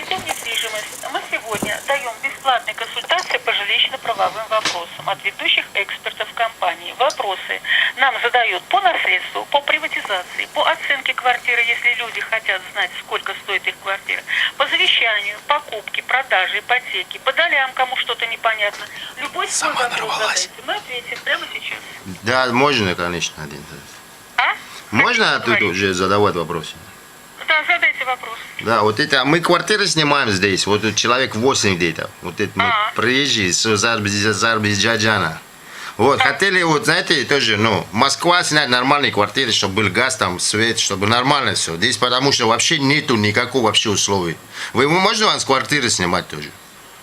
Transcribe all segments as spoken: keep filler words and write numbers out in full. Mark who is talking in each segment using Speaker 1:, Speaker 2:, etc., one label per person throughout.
Speaker 1: Алтум недвижимость. Мы сегодня даем бесплатные консультации по жилищно-правовым вопросам от ведущих экспертов компании. Вопросы нам задают по наследству, по приватизации, по оценке квартиры, если люди хотят знать, сколько стоит их квартира, по завещанию, покупке, продаже, ипотеке, по долям, кому что-то непонятно. Любой свой вопрос задайте. Мы ответим прямо сейчас.
Speaker 2: Да, можно, конечно, один.
Speaker 1: А?
Speaker 2: Можно тут уже задавать вопросы?
Speaker 1: Да, задайте вопрос.
Speaker 2: Да, вот это, мы квартиры снимаем здесь, вот тут человек восемь где-то, вот это мы
Speaker 1: А.
Speaker 2: приезжие с Азербайджана. Вот, хотели, вот, знаете, тоже, ну, Москва снять нормальные квартиры, чтобы был газ, там, свет, чтобы нормально все. Здесь потому что вообще нету никакого вообще условий. Вы, можно вам с квартиры снимать тоже?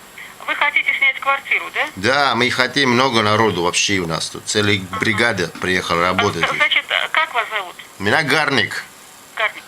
Speaker 1: Вы хотите снять квартиру, да?
Speaker 2: Да, мы хотим много народу вообще у нас тут, целая бригада приехала работать.
Speaker 1: А, значит, как вас зовут?
Speaker 2: Меня Гарник.
Speaker 1: Гарник.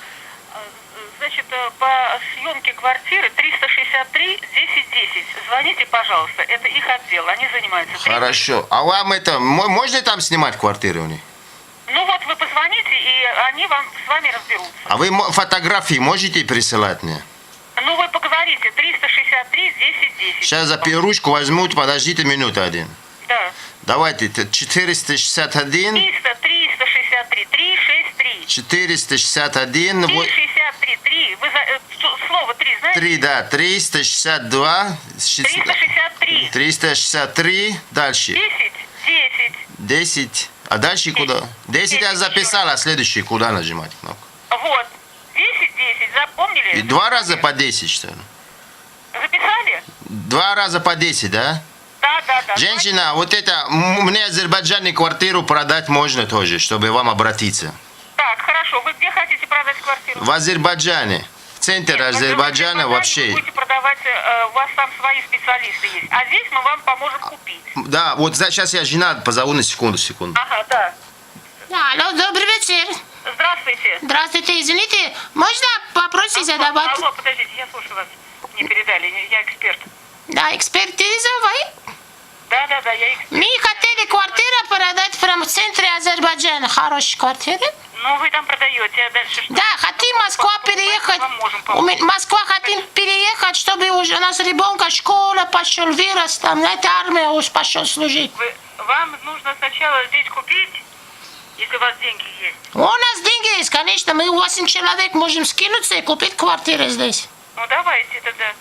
Speaker 1: Значит, по съемке квартиры триста шестьдесят три десять десять. Звоните, пожалуйста, это их отдел, они занимаются.
Speaker 2: Хорошо. А вам это, можно там снимать квартиры у них?
Speaker 1: Ну вот вы позвоните, и они вам с вами разберутся.
Speaker 2: А вы фотографии можете присылать мне?
Speaker 1: Ну вы поговорите, триста шестьдесят три десять десять.
Speaker 2: Сейчас за ручку возьмут, подождите минуту один.
Speaker 1: Да.
Speaker 2: Давайте, четыреста шестьдесят один.
Speaker 1: триста, триста шестьдесят три, триста шестьдесят три.
Speaker 2: четыреста шестьдесят один.
Speaker 1: триста шестьдесят три, три. Вы за, э, слово три знаете?
Speaker 2: три, да, триста шестьдесят два.
Speaker 1: триста шестьдесят три.
Speaker 2: триста шестьдесят три. Дальше.
Speaker 1: десять, десять.
Speaker 2: десять. А дальше куда? десять я записал, а следующий куда нажимать кнопку?
Speaker 1: Вот. десять, десять, запомнили?
Speaker 2: И два раза по десять, что ли?
Speaker 1: Записали?
Speaker 2: Два раза по десять, да?
Speaker 1: Да, да, да.
Speaker 2: Женщина, вот это, мне Азербайджане квартиру продать можно тоже, чтобы вам обратиться.
Speaker 1: Так, хорошо. Вы где хотите продать квартиру?
Speaker 2: В Азербайджане. В центре
Speaker 1: Нет,
Speaker 2: Азербайджана
Speaker 1: вы
Speaker 2: вообще.
Speaker 1: будете продавать, э, у вас там свои специалисты есть. А здесь мы вам поможем купить.
Speaker 2: Да, вот сейчас я жена позову на секунду, секунду.
Speaker 1: Ага, да.
Speaker 3: Алло, добрый вечер.
Speaker 1: Здравствуйте.
Speaker 3: Здравствуйте, извините, можно вопросы задавать?
Speaker 1: Алло, подождите, я слушаю вас. Не передали, я эксперт.
Speaker 3: Да, экспертиза вы?
Speaker 1: Да, да, да, я эксперт.
Speaker 3: Мы хотели квартиру продать в центре Азербайджана. Хорошая квартира?
Speaker 1: Ну, вы там продаете, а дальше что?
Speaker 3: Да, хотим Москва переехать.
Speaker 1: У
Speaker 3: меня Москва хотим переехать, чтобы уже у нас ребенка школа пошел, вырос, там, это армия уж пошел служить.
Speaker 1: Вы, вам нужно сначала здесь купить, если у вас деньги есть.
Speaker 3: У нас деньги есть, конечно, мы восемь человек можем скинуться и купить квартиру здесь.
Speaker 1: Ну, давайте тогда.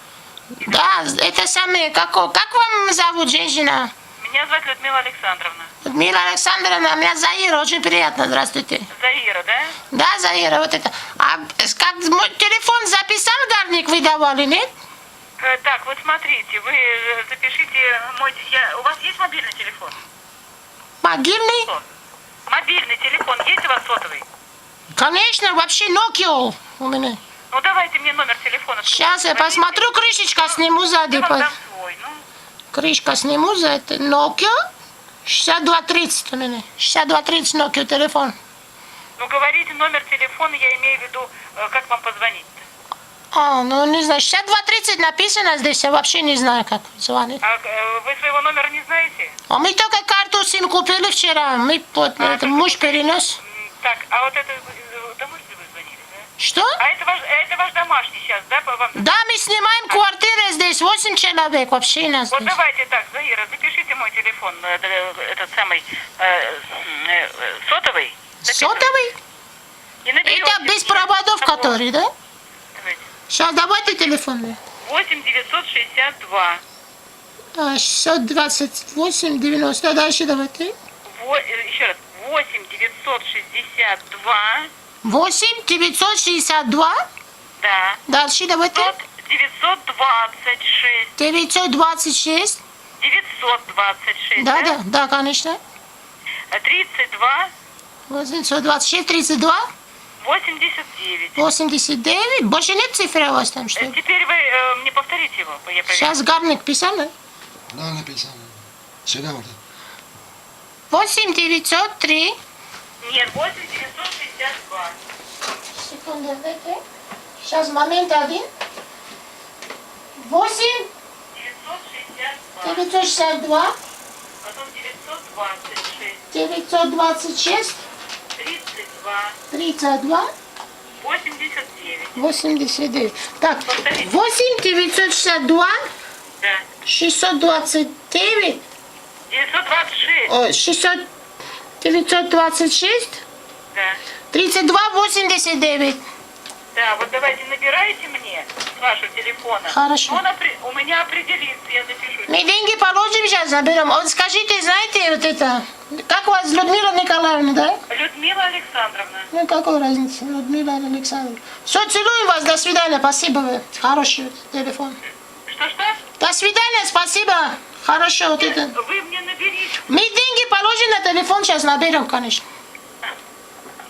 Speaker 3: Да, это самое, как, как вам зовут, женщина?
Speaker 1: Меня зовут Людмила Александровна.
Speaker 3: Людмила Александровна, меня Заира, очень приятно, здравствуйте.
Speaker 1: Заира, да?
Speaker 3: Да, Заира, вот это. А как мой телефон записал, Гарник, вы давали, нет?
Speaker 1: Э, так, вот смотрите, вы э, запишите мой... Я, у вас есть мобильный телефон?
Speaker 3: Могильный?
Speaker 1: Что? Мобильный телефон есть у вас сотовый?
Speaker 3: Конечно, вообще Nokia у меня.
Speaker 1: Ну, давайте мне номер телефона.
Speaker 3: Сейчас я посмотрю, крышечка сниму сзади.
Speaker 1: Я вам дам свой, ну.
Speaker 3: Крышка сниму за это. Nokia шестьдесят два тридцать у меня. шестьдесят два тридцать Nokia телефон.
Speaker 1: Ну, говорите номер телефона, я имею в виду, э, как вам позвонить.
Speaker 3: А, ну не знаю, шестьдесят два тридцать написано здесь, я вообще не знаю, как звонить.
Speaker 1: А э, вы своего номера не знаете?
Speaker 3: А мы только карту сим купили вчера, мы вот,
Speaker 1: А,
Speaker 3: это, муж перенес.
Speaker 1: М, Так, а вот это, э, домой ли вы звонили, да?
Speaker 3: Что?
Speaker 1: А это ваш, это ваш домашний сейчас, да, по вам?
Speaker 3: Да, мы снимаем квартиру здесь, восемь человек вообще нас
Speaker 1: Вот
Speaker 3: здесь.
Speaker 1: давайте так, Заира, запишите мой телефон, э, э, этот самый, э, э, сотовый. Запишите.
Speaker 3: Сотовый?
Speaker 1: И наберете
Speaker 3: Это без
Speaker 1: мне
Speaker 3: проводов,
Speaker 1: того.
Speaker 3: который, да?
Speaker 1: Давайте.
Speaker 3: Сейчас давайте телефон.
Speaker 1: восемь девятьсот шестьдесят два.
Speaker 3: А, шестьсот двадцать восемь девяносто. Дальше давайте.
Speaker 1: Во, э, еще раз. восемь девятьсот шестьдесят два.
Speaker 3: восемь девятьсот шестьдесят два.
Speaker 1: Да.
Speaker 3: Дальше давайте.
Speaker 1: девятьсот двадцать шесть.
Speaker 3: девятьсот двадцать шесть.
Speaker 1: девятьсот двадцать шесть.
Speaker 3: Да, да, да, конечно.
Speaker 1: тридцать два.
Speaker 3: восемьсот двадцать шесть, тридцать два.
Speaker 1: восемьдесят девять.
Speaker 3: восемьдесят девять. Больше нет цифры у вас там, что
Speaker 1: Э,
Speaker 3: ли?
Speaker 1: Теперь вы э, мне повторите его, я проверю.
Speaker 3: Сейчас Гарник писал, да?
Speaker 2: Да, написано. Сюда вот.
Speaker 3: восемь девятьсот три.
Speaker 1: Нет, восемь девятьсот шестьдесят два.
Speaker 3: Секунду, дайте. Сейчас момент один. восемь
Speaker 1: девятьсот шестьдесят два.
Speaker 3: девятьсот шестьдесят два.
Speaker 1: Потом девятьсот двадцать шесть.
Speaker 3: девятьсот двадцать шесть.
Speaker 1: тридцать два.
Speaker 3: тридцать два.
Speaker 1: восемьдесят девять.
Speaker 3: восемьдесят девять. Так,
Speaker 1: Повторите.
Speaker 3: восемь девятьсот шестьдесят два
Speaker 1: Да.
Speaker 3: шестьсот двадцать девять,
Speaker 1: девятьсот двадцать шесть.
Speaker 3: ой, шестьсот, девятьсот двадцать шесть,
Speaker 1: Да.
Speaker 3: тридцать два восемьдесят девять.
Speaker 1: Да, вот давайте набирайте мне с вашего телефона.
Speaker 3: Хорошо.
Speaker 1: Он опре- у меня определится, я запишу.
Speaker 3: Мы деньги положим сейчас, заберем. Вот скажите, знаете, вот это, как вас, Людмила Николаевна, да?
Speaker 1: Людмила Александровна.
Speaker 3: Ну, какой разницы, Людмила Александровна. Все, целуем вас, до свидания, спасибо вы. Хороший телефон.
Speaker 1: Что-что?
Speaker 3: До свидания, спасибо. Хорошо, вот это.
Speaker 1: Вы мне наберите.
Speaker 3: Мы деньги положим на телефон, сейчас наберем, конечно.